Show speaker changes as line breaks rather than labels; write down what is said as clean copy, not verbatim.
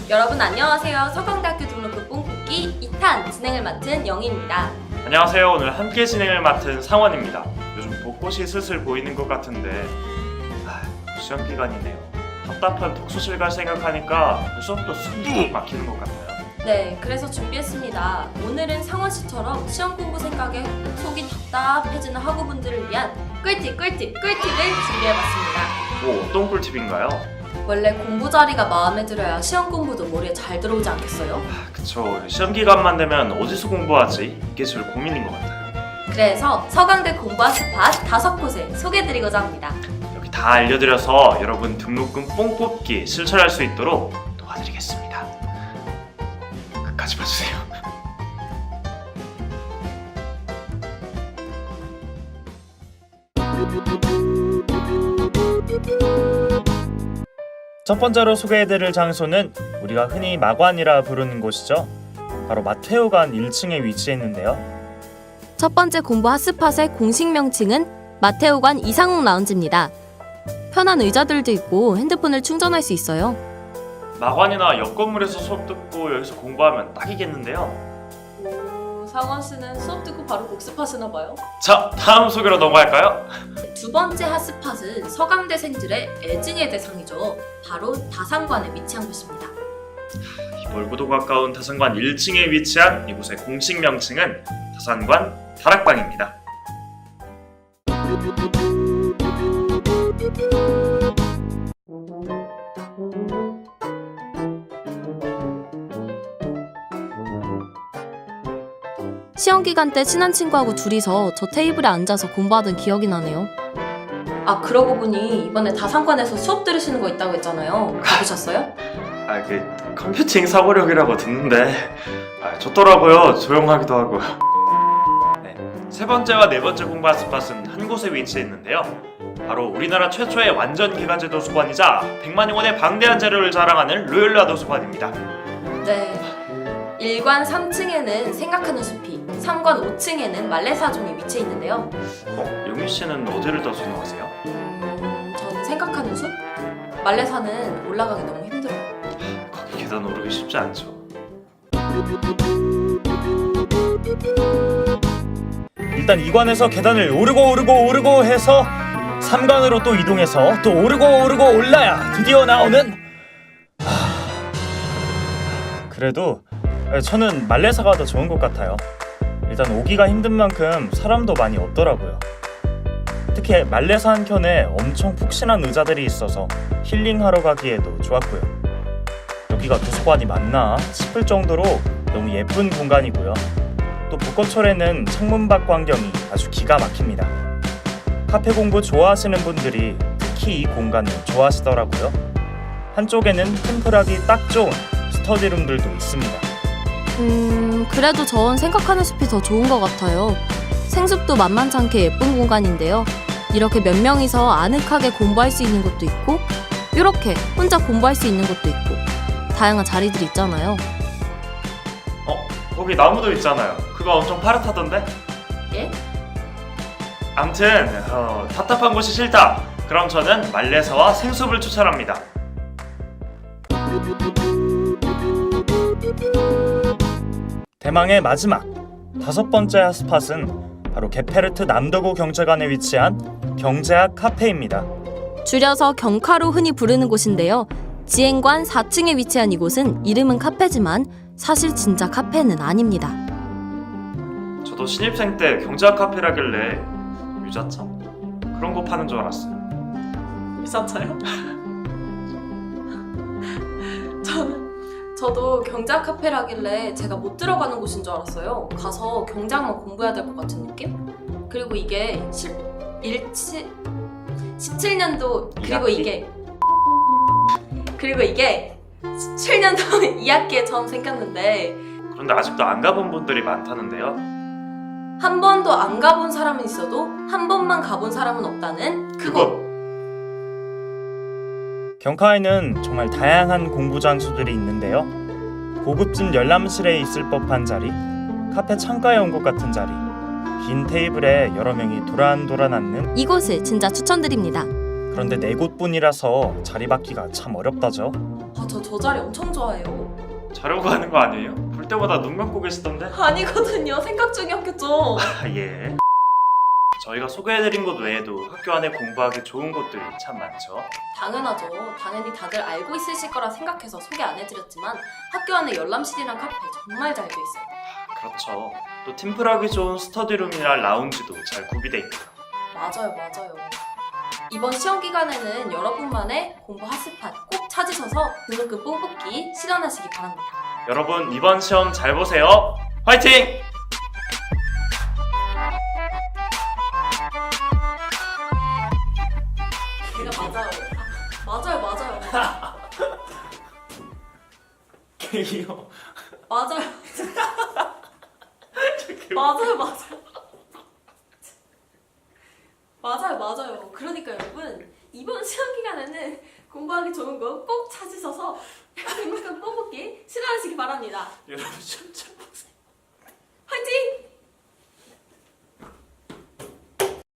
여러분 안녕하세요. 서강대학교 등록금 뽕뽑기 2탄 진행을 맡은 영희입니다.
안녕하세요. 오늘 함께 진행을 맡은 상원입니다. 요즘 벚꽃이 슬슬 보이는 것 같은데 시험 기간이네요. 답답한 독서실 갈 생각하니까 수업도 숨이 막히는 것 같아요.
네, 그래서 준비했습니다. 오늘은 상원 씨처럼 시험 공부 생각에 속이 답답해지는 학우분들을 위한 꿀팁을 준비해봤습니다.
어떤 꿀팁인가요?
원래 공부 자리가 마음에 들어야 시험 공부도 머리에 잘 들어오지 않겠어요?
그쵸. 시험 기간만 되면 어디서 공부하지? 이게 제일 고민인 것 같아요.
그래서 서강대 공부한 스팟 5곳을 소개해드리고자 합니다.
여기 다 알려드려서 여러분 등록금 뽕 뽑기 실천할 수 있도록 도와드리겠습니다. 끝까지 봐주세요. 첫 번째로 소개해드릴 장소는 우리가 흔히 마관이라 부르는 곳이죠. 바로 마테오관 1층에 위치해 있는데요.
첫 번째 공부 핫스팟의 공식 명칭은 마테오관 이상욱 라운지입니다. 편한 의자들도 있고 핸드폰을 충전할 수 있어요.
마관이나 옆 건물에서 수업 듣고 여기서 공부하면 딱이겠는데요.
상원 씨는 수업 듣고 바로 복습하시나 봐요.
자, 다음 소개로 넘어갈까요?
두 번째 핫스팟은 서강대생들의 애증의 대상이죠. 바로 다산관에 위치한 곳입니다.
멀고도 가까운 다산관 1층에 위치한 이곳의 공식 명칭은 다산관 다락방입니다.
시험 기간 때 친한 친구하고 둘이서 저 테이블에 앉아서 공부하던 기억이 나네요. 아, 그러고 보니 이번에 다산관에서 수업 들으시는 거 있다고 했잖아요. 가보셨어요?
컴퓨팅 사고력이라고 듣는데 좋더라고요. 조용하기도 하고. 네, 세 번째와 네 번째 공부 핫스팟은 한 곳에 위치해 있는데요. 바로 우리나라 최초의 완전 기가제 도서관이자 100만여 원의 방대한 자료를 자랑하는 로열라 도서관입니다.
네. 1관 3층에는 생각하는 숲이, 3관 5층에는 말레사종이 위치해 있는데요.
용희 씨는 어디를 더 선호하세요?
저는 생각하는 숲? 말레사는 올라가기 너무 힘들어요.
거기 계단 오르기 쉽지 않죠. 일단 2관에서 계단을 오르고 해서 3관으로 또 이동해서 또 오르고 올라야 드디어 나오는 그래도 저는 말레사가 더 좋은 것 같아요. 일단 오기가 힘든 만큼 사람도 많이 없더라고요. 특히 말레사 한켠에 엄청 푹신한 의자들이 있어서 힐링하러 가기에도 좋았고요. 여기가 도서관이 맞나 싶을 정도로 너무 예쁜 공간이고요. 또 벚꽃철에는 창문 밖 광경이 아주 기가 막힙니다. 카페 공부 좋아하시는 분들이 특히 이 공간을 좋아하시더라고요. 한쪽에는 템플하기 딱 좋은 스터디룸들도 있습니다.
그래도 전 생각하는 숲이 더 좋은 것 같아요. 생숲도 만만찮게 예쁜 공간인데요. 이렇게 몇 명이서 아늑하게 공부할 수 있는 곳도 있고, 이렇게 혼자 공부할 수 있는 곳도 있고, 다양한 자리들이 있잖아요.
거기 나무도 있잖아요. 그거 엄청 파릇하던데?
예?
암튼 답답한 곳이 싫다. 그럼 저는 말레사와 생숲을 추천합니다. 대망의 마지막 5번째 핫스팟은 바로 게페르트 남도구 경제관에 위치한 경제학 카페입니다.
줄여서 경카로 흔히 부르는 곳인데요. 지행관 4층에 위치한 이곳은 이름은 카페지만 사실 진짜 카페는 아닙니다.
저도 신입생 때 경제학 카페라길래 유자차? 그런 거 파는 줄 알았어요.
유자차요? 저도 경제학 카페라길래 제가 못 들어가는 곳인 줄 알았어요. 가서 경제학만 공부해야 될 것 같은 느낌? 그리고 이게 17년도 그리고 이게 17년도 2학기에 처음 생겼는데
그런데 아직도 안 가본 분들이 많다는데요.
한 번도 안 가본 사람은 있어도 한 번만 가본 사람은 없다는 그곳!
경카에는 정말 다양한 공부 장소들이 있는데요. 고급진 열람실에 있을 법한 자리, 카페 창가에 온 것 같은 자리, 긴 테이블에 여러 명이 도란도란 앉는
이곳을 진짜 추천드립니다.
그런데 4곳뿐이라서 자리 받기가 참 어렵다죠.
저 자리 엄청 좋아해요.
자려고 하는 거 아니에요? 볼 때마다 눈 감고 계시던데?
아니거든요. 생각 중이었겠죠.
아, 예. 저희가 소개해드린 곳 외에도 학교 안에 공부하기 좋은 곳들이 참 많죠.
당연하죠. 당연히 다들 알고 있으실 거라 생각해서 소개 안 해드렸지만 학교 안에 열람실이랑 카페 정말 잘 돼 있어요.
그렇죠. 또 팀플하기 좋은 스터디룸이나 라운지도 잘 구비돼 있고요.
맞아요. 이번 시험 기간에는 여러분만의 공부 핫스팟 꼭 찾으셔서 등록금 뽑기 실현하시기 바랍니다.
여러분 이번 시험 잘 보세요. 화이팅!
맞아요.
개기요.
맞아요. 맞아요. 그러니까 여러분 이번 시험 기간에는 공부하기 좋은 거 꼭 찾으셔서 등록금 뽑기 실현하시기 바랍니다.
여러분 진짜